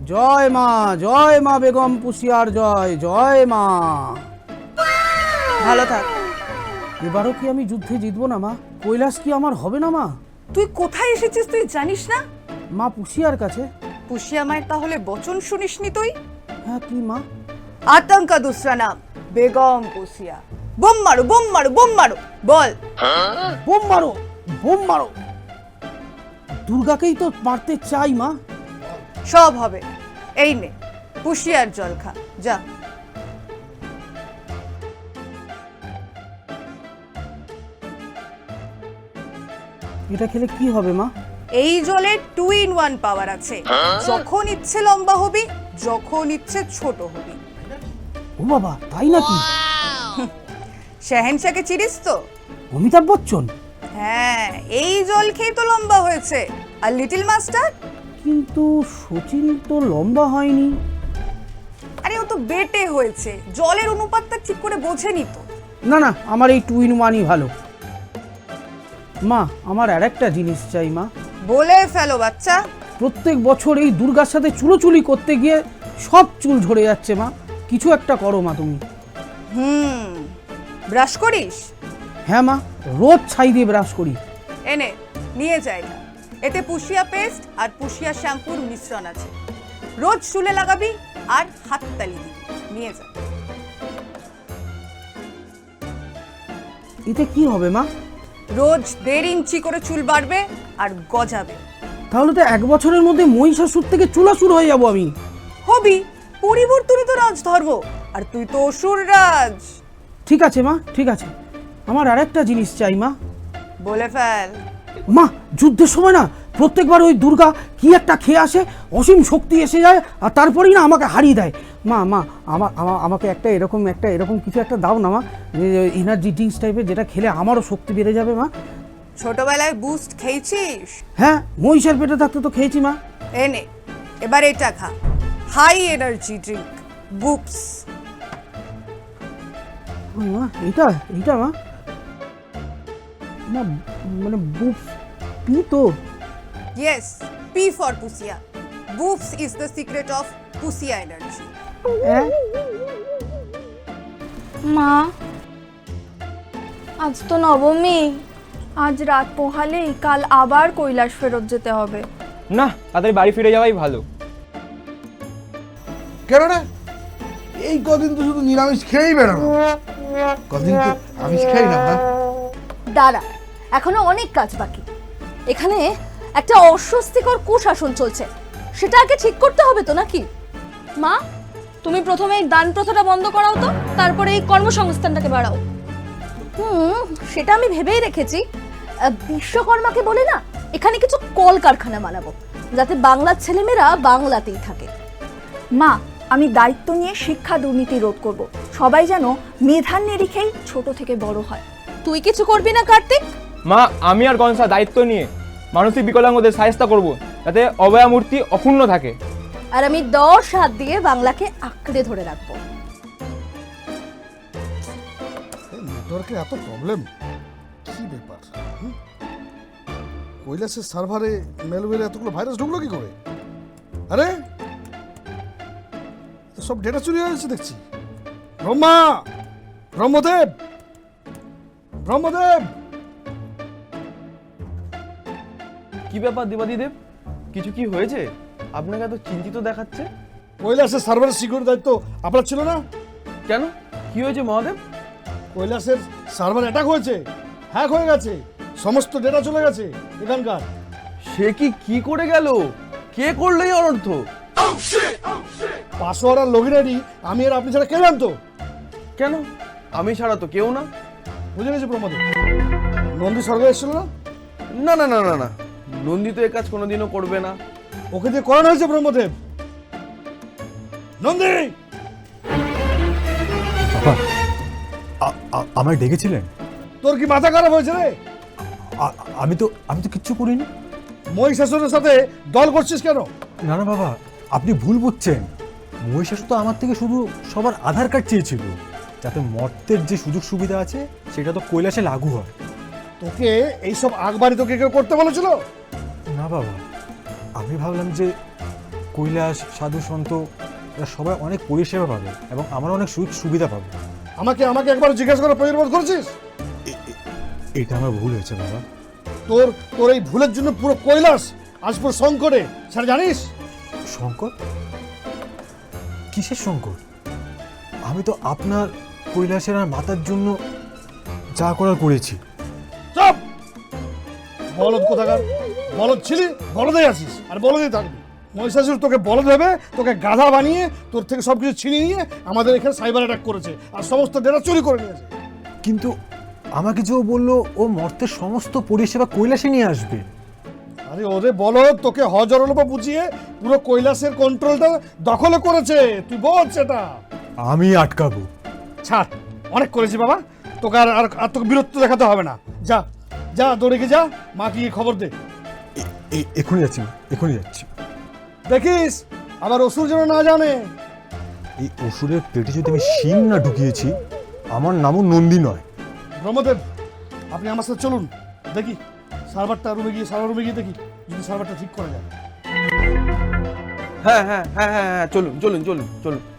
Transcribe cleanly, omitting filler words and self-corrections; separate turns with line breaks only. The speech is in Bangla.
জয় মা বেগম পুষিয়ার জয়, জয় মা।
ভালো থাক।
এবারও কি আমি যুদ্ধে জিতবো না মা? কৈলাস কি আমার হবে না মা?
তুই কোথায় এসেছিস তুই জানিস না?
মা পুষিয়ার কাছে।
পুষিয়া মায়ের তাহলে বচন শুনিসনি তুই?
হ্যাঁ কি মা?
आतंक का दूसरा नाम बेगम पुसिया। बम मारो बम मारो बम मारो, बोल।
বোম মারো, বোম মারো। দুর্গাকেই তো মারতে চাই মা।
সব হবে। এই নে পুষিয়ার জল খা, যা।
এটা খেলে কি হবে মা?
এই জলে 2 in 1 পাওয়ার আছে। যখন ইচ্ছে লম্বা হবি, যখন ইচ্ছে ছোট হবি।
ও বাবা, তাই নাকি?
শাহেনশাকে চিনিস তো?
অমিতাভ বচ্চন।
হ্যাঁ, এই জল খেয়ে তো লম্বা হয়েছে। আর লিটল মাস্টার?
কিন্তু সচিন তো লম্বা হয়নি।
আরে ও তো বেটে হয়েছে, জলের অনুপাতটা ঠিক করে বোঝেনি তো।
না না, আমার এই 2 in 1ই ভালো। মা, আমার আর একটা জিনিস চাই মা।
বলে ফেলো বাচ্চা।
প্রত্যেক বছর এই দুর্গার সাথে চুলোচুলি করতে গিয়ে সব চুল ঝরে যাচ্ছে মা। কিছু একটা করো মা তুমি।
ব্রাশ করিস?
হ্যাঁ মা, রোজ ছাই দিয়ে ব্রাশ করি।
এনে নিয়ে যাই না। এতে পুষিয়া পেস্ট আর পুষিয়া শ্যাম্পুর মিশ্রণ আছে। রোজ চুলে লাগাবি আর হাততালি দিবি। নিয়ে যা।
এতে কি হবে মা?
রোজ 1.5 ইঞ্চি করে চুল বাড়বে আর গজাবে।
তাহলে তো 1 বছরের মধ্যে মহিষাসুর থেকে চুলাসুর হয়ে যাব আমি।
হবি, পরিবর্তনই তো রাজধর্ম। আর তুই তো অসুর রাজ।
ঠিক আছে মা, ঠিক আছে। আমার আর একটা জিনিস চাই মা।
বলে ফেল।
মা, যুদ্ধের সময় না প্রত্যেকবার ওই দুর্গা কি একটা খেয়ে আসে, অসীম শক্তি এসে যায় আর তারপরেই না আমাকে হারিয়ে দেয়। মা মা আমাকে একটা এরকম কিছু একটা দাও না মা, এনার্জি ড্রিঙ্কস টাইপের, যেটা খেলে আমারও শক্তি বেড়ে যাবে মা।
ছোটবেলায় বুস্ট খেয়েছিস?
হ্যাঁ, মহিষের পেটে থাকতে তো খেয়েছি মা।
এনে এবার এটা খা, হাই এনার্জি ড্রিঙ্ক বুপস।
মা এইটা মা, মা মানে বুপস পি তো?
Yes, P for Pusia. Boops is the secret of Pusia energy.
মা, আজ তো নবমী। আজ রাত পোহালেই কাল আবার কৈলাস ফেরত যেতে হবে।
না, তাদের বাড়ি ফিরে যাওয়াই ভালো।
কেন রে? এই কদিন তো শুধু নিরামিষ খেয়েই বেড়ানো। কদিন তো আমিষ খাই না না।
দাঁড়া, এখনো অনেক কাজ বাকি। এখানে একটা অস্বস্তিকর কুশাসন চলছে, সেটা আগে ঠিক করতে হবে তো নাকি?
মা, তুমি প্রথমে এই দান প্রথাটা বন্ধ করাও তো, তারপরে এই কর্মসংস্থানটাকে বাড়াও।
সেটা আমি ভেবেই রেখেছি। বিশ্বকর্মাকে বলে না, এখানে কিছু কলকারখানা বানাবো, যাতে বাংলার ছেলেমেয়েরা বাংলাতেই থাকে।
মা, আমি দায়িত্ব নিয়ে শিক্ষা দুর্নীতি রোধ করব। সবাই যেন মেধার নিরিখেই ছোট থেকে বড় হয়।
তুই কিছু করবি না কার্তিক?
মা, আমি আর গনসা দায়িত্ব নিয়ে মানসিক বিকলাঙ্গদের সাহায্য করব, যাতে অভয়া মূর্তি অক্ষুণ্ণ থাকে।
আর আমি 10 হাত দিয়ে বাংলাকে আঁকড়ে ধরে রাখবো।
নেটওয়ার্কে এত প্রবলেম, কি ব্যাপার? কৈলাসের সার্ভারে মেলওয়্যারে এতগুলো ভাইরাস ঢুকলো কি করে? আরে সব ডেটা চুরি হয়ে গেছে দেখছি। ব্রহ্মদেব,
কি ব্যাপার দেবাদিদেব, কিছু কি হয়েছে? আপনাকে এত চিন্তিত দেখাচ্ছে।
কৈলাসের সার্ভারের সিকিউরিটি দায়িত্ব আপনার ছিল না?
কেন, কি হয়েছে মহাদেব?
কৈলাসের সার্ভার অ্যাটাক হয়েছে, হ্যাক হয়ে গেছে, সমস্ত ডেটা চলে গেছে এখানকার।
সে কি করে গেল? কে করলো এই অনর্থ?
পাসওয়ার্ড আর লগইন আইডি আমি আর আপনি ছাড়া কে জানতো?
কেন, আমি ছাড়া তো কেউ না।
বুঝে গেছি প্রমোদের। নন্দী স্বর্গ এসেছিল না?
না না না না না, নন্দী তো এ কাজ কোনোদিনও করবে না।
ওকে দিয়ে করানো হয়েছে ব্রহ্মদেব। নন্দী,
আমায় ডেকেছিলেন?
তোর কি মাথা খারাপ হয়েছে রে?
আমি তো কিচ্ছু করিনি।
মহিষাসুরের সাথে দল করছিস কেন?
না না বাবা, আপনি ভুল বুঝছেন। মহিষাসুর তো আমার থেকে শুধু সবার আধার কার্ড চেয়েছিল, যাতে মর্তের যে সুযোগ সুবিধা আছে সেটা তো কৈলাসে লাগু হয়।
তোকে এইসব আগবাড়ি তোকে কেউ করতে বলেছিল?
না বাবা, আমি ভাবলাম যে কৈলাস সাধু সন্ত এরা সবাই অনেক পরিষেবা পাবে এবং আমরা অনেক সুযোগ সুবিধা পাবো।
আমাকে একবার জিজ্ঞাসা করার প্রয়োজন বোধ করছিস?
এটা আমার ভুল হয়েছে বাবা।
তোর এই ভুলের জন্য পুরো কৈলাস আজ পুরো সংকটে, সেটা জানিস?
সংকট? কিসের সংকট? আমি তো আপনার কৈলাসের আর মাতার জন্য যা করার করেছি।
চুপ! বলদ কোথাকার, বলদ ছিলি, বলদেই আছিস আর বলদেই থাকবি। মহিষাসুর তোকে বলদ ভেবে তোকে গাধা বানিয়ে তোর থেকে সবকিছু ছিনিয়ে নিয়ে আমাদের এখানে সাইবার অ্যাটাক করেছে আর সমস্ত ডেটা চুরি করে নিয়েছে।
কিন্তু আমাকে যে ও বললো ও মর্তের সমস্ত পরিষেবা কৈলাসে নিয়ে আসবে।
আরে ওরে বলদ, তোকে হজরলোপা বুঝিয়ে পুরো কৈলাসের কন্ট্রোলটা দখলে করেছে, তুই বল সেটা।
আমি আটকাবো।
ছাড়, অনেক করেছি বাবা, তোকে আর তোকে বিরক্ত দেখাতে হবে না। যা যা, দৌড়ে গিয়ে যা, মাকে গিয়ে খবর দে।
এখনই যাচ্ছি, এখনই যাচ্ছি।
দেখিস আবার অসুর যেন না জানে।
এই অসুরের পেটে যদি আমি শিং না ঢুকিয়েছি, আমার নামও নন্দী নয়।
ব্রহ্মদেব, আপনি আমার সাথে চলুন, দেখি সার্ভার রুমে গিয়ে দেখি যদি সার্ভারটা ঠিক করা যায়।
হ্যাঁ, চলুন চলুন চলুন চলুন।